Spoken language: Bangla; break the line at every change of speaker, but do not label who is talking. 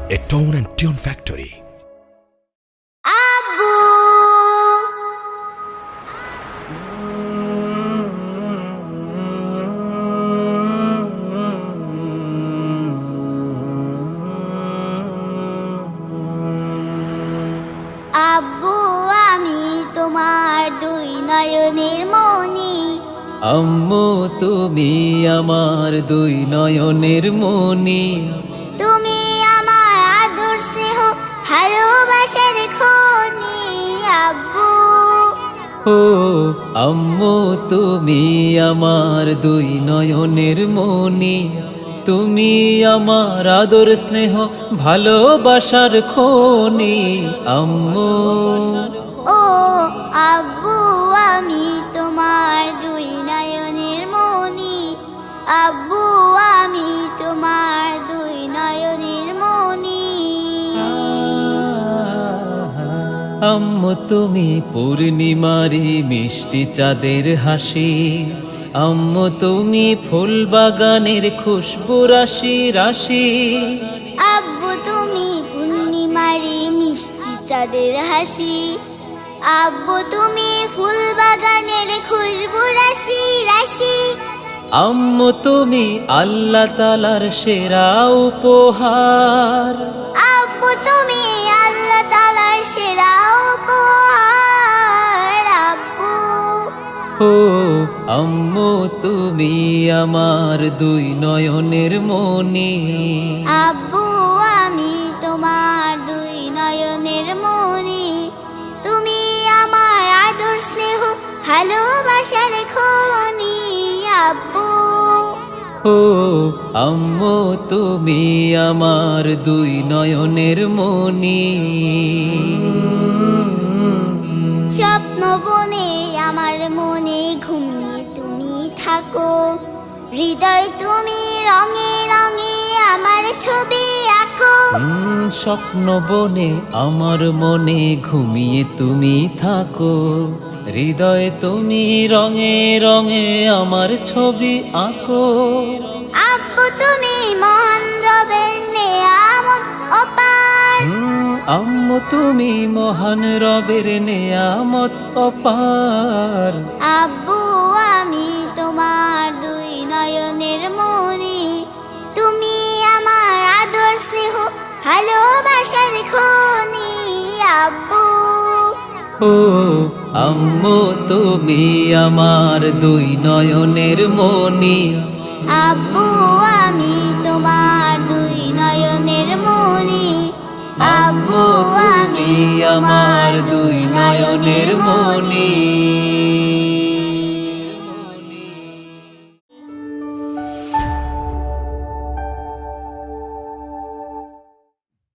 a tone and tune factory.
আব্বু আব্বু আমি তোমার দুই নয়নের মনি।
আম্মু তুমি আমার দুই নয়নের মনি।
তুমি আমার আদর স্নেহ ভালোবাসার খনি। আব্বু
ও আম্মু তুমি আমার দুই নয়নের মনি। তুমি আমার আদর স্নেহ ভালোবাসার খনি আম্মু।
ও আব্বু আমি তোমার দুই নয়নের মনি। আব্বু আমি তোমার দুই নয়নের মনি।
আম্মু তুমি পূর্ণিমারি মিষ্টি চাঁদের হাসি। আম্মু তুমি ফুল বাগানের খুশবু রাশি রাশি।
আব্বু তুমি পূর্ণিমারি মিষ্টি চাঁদের হাসি। আব্বু তুমি ফুল বাগানের খুশবু রাশি রাশি।
আম্মু তুমি আল্লাহ তাআলার সেরা উপহার।
আব্বু তুমি আল্লাহ তাআলার সেরা উপহার। আব্বু
ও আম্মু তুমি আমার দুই নয়নের মনি।
আব্বু আমি তোমার দুই নয়নের মনি। তুমি আমার আদর স্নেহ ভালোবাসার খনি। আব্বু
ও আম্মু তুমি আমার দুই নয়নের মনি।
স্বপ্ন বনে আমার মনে ঘুমিয়ে তুমি থাকো। হৃদয় তুমি রঙে রঙে আমার ছবি আঁকো।
স্বপ্ন বনে আমার মনে ঘুমিয়ে তুমি থাকো। হৃদয়ে তুমি রঙে রঙে আমার ছবি আঁকো।
আব্বু তুমি মহান রবের নেয়ামত অপার।
আম্মু তুমি মহান রবের নেয়ামত অপার।
আব্বু আমি তোমার দুই নয়নের মনি। তুমি আমার আদর স্নেহ ভালোবাসার খনি। আব্বু
ও আম্মু তুমি আমার দুই নয়নের মনি।
আব্বু আমি তোমার দুই নয়নের মনি।
আম্মু তুমি আমার দুই নয়নের মনি।